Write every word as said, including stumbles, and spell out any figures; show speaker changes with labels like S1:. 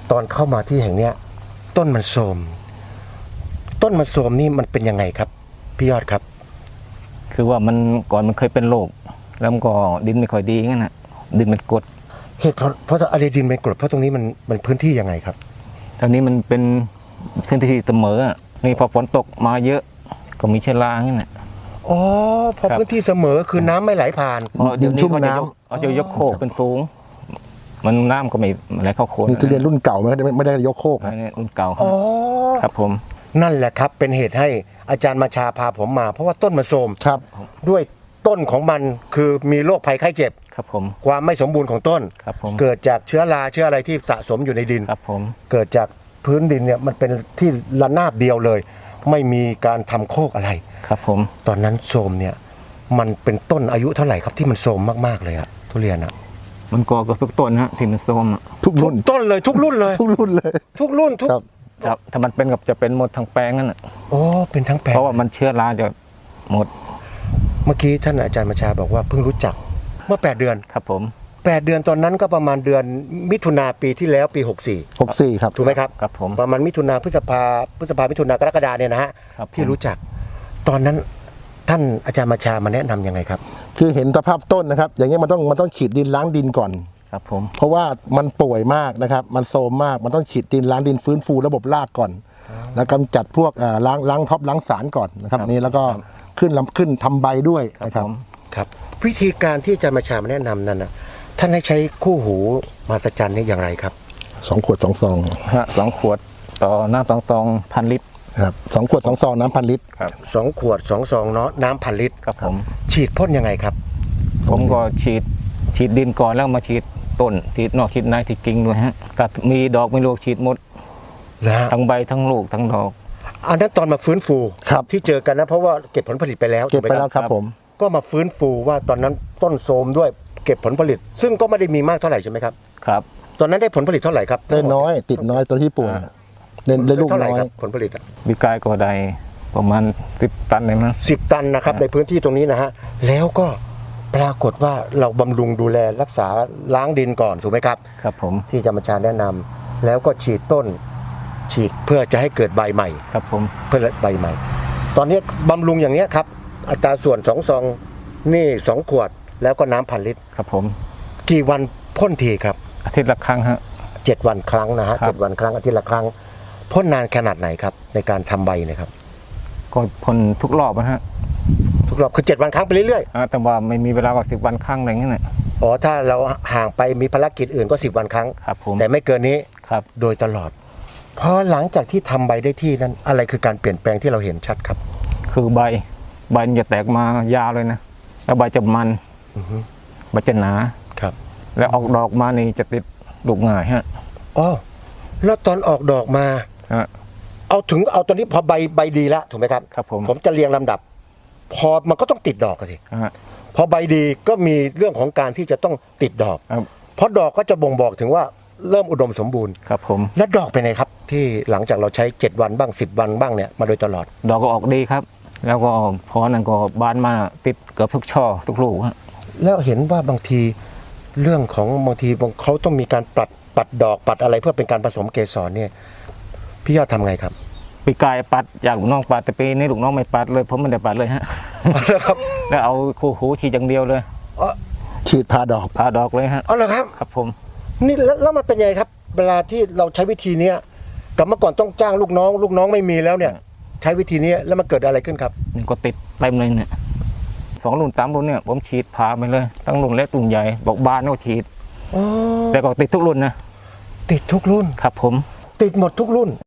S1: ตอนเข้ามาที่แห่งเนี้ยต้นมันโทรมต้นมันโทรมนี่มันเป็นยังไงครับพี่ยอดครับ
S2: คือว่ามันก่อนมันเคยเป็นโรคแล้วมันก็ดินไม่ค่อยดีงั้นนะดินมันกรด
S1: เหตุเพราะเพราะอะไรดินเป็นกรดเพราะตรงนี้มันมันพื้นที่ยังไงครับ
S2: ตอนนี้มันเป็นพื้นที่เสมอนี่พอฝนตกมาเยอะก็มีเชื้อรางั้นนะ
S1: อ๋อพอพื้นที่เสมอคือน้ำไม่ไหลผ่าน
S2: ดินชุ่มน้ำเอาจะยกโคกเป็นสูงมันน้ำก็ไม่ไหลเข้าโคน
S3: นี่คือเรียนรุ่นเก่าไม่ได้ไม่ได้ยกโคก
S2: นะรุ่นเก่า
S1: อ๋อ
S2: ครับผม
S1: นั่นแหละครับเป็นเหตุให้อาจารย์มาชาพาผมมาเพราะว่าต้นมันโทรม
S3: ครับ
S1: ด้วยต้นของมันคือมีโรคภัยไข้เจ็บ
S2: ครับผม
S1: ความไม่สมบูรณ์ของต้น
S2: ครับผม
S1: เกิดจากเชื้อราเชื้ออะไรที่สะสมอยู่ในดิน
S2: ครับผม
S1: เกิดจากพื้นดินเนี่ยมันเป็นที่ระนาบเดียวเลยไม่มีการทำโคกอะไร
S2: ครับผม
S1: ตอนนั้นโทรมเนี่ยมันเป็นต้นอายุเท่าไหร่ครับที่มันโทรมมากๆเลยอะทุเรียนอะ
S2: มันก่อกับทุกต้นฮะที่มันโทรม
S3: ทุกรุ่น
S1: ต้นเลยทุกรุ่นเลย
S3: ทุกรุ่นเลย
S1: ทุกรุ่นทุก
S2: ครับถ้ามันเป็นกับจะเป็นหมดทั้งแปลงนั่นแหละ
S1: โอ้เป็นทั้งแปลง
S2: เพราะว่ามันเชื้อราจะหมด
S1: เมื่อกี้ท่านอาจารย์มาชาบอกว่าเพิ่งรู้จักเมื่อแปดเดือน
S2: ครับผม
S1: แปดเดือนตอนนั้นก็ประมาณเดือนมิถุนาปีที่แล้วปีหกสี่
S3: หกสี่ครับ
S1: ถูกไหมครับ
S2: ครับผม
S1: ประมาณมิถุนาพฤษภาพฤษภามิถุนากรกฎาเนี่ยนะฮะที่รู้จักตอนนั้นท่านอาจารย์มาชามาแนะนำยังไงครับ
S3: คือเห็นสภาพต้นนะครับอย่างเงี้ยมันต้องมันต้องฉีดดินล้างดินก่อน
S2: ครับผม
S3: เพราะว่ามันป่วยมากนะครับมันโทรมมากมันต้องฉีดดินล้างดินฟื้นฟูระบบรากก่อนแล้วกำจัดพวกล้างล้างท็อปล้างสารก่อนนะครับนี่แล้วก็ขึ้นลำขึ้นทำใบด้วยนะครับ
S1: ครับวิธีการที่อาจารย์มาชามาแนะนำนั้นนะท่านให้ใช้คู่หูมหัศจรรย์นี่อย่างไรครับ
S3: สองขวดสองซอง
S2: ฮะสองขวดต่อน้ำสองซองพันลิตร
S3: ครับสองขวดสองซองน้ำพันลิตร
S2: ครับ
S1: สองขวดสองซองเนาะน้ำพันลิตร
S2: ครับผม
S1: ฉีดพ่นยังไงครับ
S2: ผมก็ฉีดฉีดดินก่อนแล้วมาฉีดต้นฉีดนอกฉีดในฉีดกิ่งด้วยฮะถ้ามีดอกมีลูกฉีดหมดทั้งใบทั้งลูกทั้งดอก
S1: อันนั้นตอนมาฟื้นฟูที่เจอกันนะเพราะว่าเก็บผลผลิตไปแล้ว
S3: เก็บไปแล้วครับผม
S1: ก็มาฟื้นฟูว่าตอนนั้นต้นโทรมด้วยเก็บผลผลิตซึ่งก็ไม่ได้มีมากเท่าไหร่ใช่ไหมครับ
S2: ครับ
S1: ตอนนั้นได้ผลผลิตเท่าไหร่ครับ
S3: ได้น้อยติดน้อยตอนที่ป่วยได้ลูกน้อย
S1: ผลผลิต
S2: วิกายก็ได้ประมาณสิบตันเลยมั้ง
S1: สิบตันนะครับในพื้นที่ตรงนี้นะฮะแล้วก็ปรากฏว่าเราบำรุงดูแลรักษาล้างดินก่อนถูกไหมครับ
S2: ครับผม
S1: ที่อาจารย์มาชาแนะนำแล้วก็ฉีดต้นฉีดเพื่อจะให้เกิดใบใหม่
S2: ครับผม
S1: เพื่อใบใหม่ตอนนี้บำรุงอย่างนี้ครับอัตราส่วนสองซองนี่สองขวดแล้วก็น้ำพันลิตร
S2: ครับผม
S1: กี่วันพ่นทีครับ
S2: อาทิตย์ละครั้งฮะ
S1: เจ็ดวันครั้งนะฮะเจ็ดวันครั้งอาทิตย์ละครั้งพ่นนานขนาดไหนครับในการทำใบนะครับ
S2: ก็พ่นทุกรอบนะฮะ
S1: ทุกรอบคือเจ็ดวันครั้งไปเรื่อย
S2: ๆแต่ว่าไม่มีเวลาก็สิบวันครั้งอะไรเงี้ย
S1: อ๋อถ้าเราห่างไปมีภารกิจอื่นก็สิบวันครั้ง
S2: ครับผม
S1: แต่ไม่เกินนี้
S2: ครับ
S1: โดยตลอดพอหลังจากที่ทำใบได้ที่นั้นอะไรคือการเปลี่ยนแปลงที่เราเห็นชัดครับ
S2: คือใบใบจะแตกมายาวเลยนะแล้วใบจะมันใบจะหนา
S1: ครับ
S2: แล้วออกดอกมานี่จะติดลูกง่ายฮะ
S1: อ๋อแล้วตอนออกดอกมาเอาถึงเอาตอนนี้พอใบใบดีแล้วถูกไหมครับ
S2: ครับผม
S1: ผมจะเรียงลำดับพอมันก็ต้องติดดอกสิพอใบดีก็มีเรื่องของการที่จะต้องติดดอกเพราะดอกก็จะบ่งบอกถึงว่าเริ่มอุดมสมบูรณ์
S2: ครับผม
S1: และดอกเป็นไงครับที่หลังจากเราใช้เจ็ดวันบ้างสิบวันบ้างเนี่ยมาโดยตลอด
S2: ดอกก็ออกดีครับแล้วก็พอนั้นก็บานมาติดเกือบทุกช่อทุกลูกฮะ
S1: แล้วเห็นว่าบางทีเรื่องของบางทีเขาต้องมีการปัดปัดดอกปัดอะไรเพื่อเป็นการผสมเกสรเนี่ยพี่ยอดทำไงครับ
S2: ปีกายปัดอยากลูกน้องปัดแต่ปีนี้ลูกน้องไม่ปัดเลยผมไม่ได้ปัดเลยฮะแล้วเอาคู่หูฉีดอย่างเดียวเลย
S3: ฉีดพาดอก
S2: พาดอกเลยฮะ
S1: อ๋อเหรอครับ
S2: ครับผม
S1: นี่แล้วมันเป็นยังไงครับเวลาที่เราใช้วิธีนี้กับเมื่อก่อนต้องจ้างลูกน้องลูกน้องไม่มีแล้วเนี่ยใช้วิธีนี้แล้วมันเกิดอะไรขึ้นครับ
S2: มันก็ติดเต็มเลยเนี่ยสองรุ่นสามรุ่นเนี่ยผมฉีดพาไปเลยตั้งรุ่นเล็กรุ่นใหญ่บอกบานก็ฉีดแต่ก็ติดทุกรุ่นนะ
S1: ติดทุกรุ่น
S2: ครับผม
S1: ติดหมดทุกรุ่น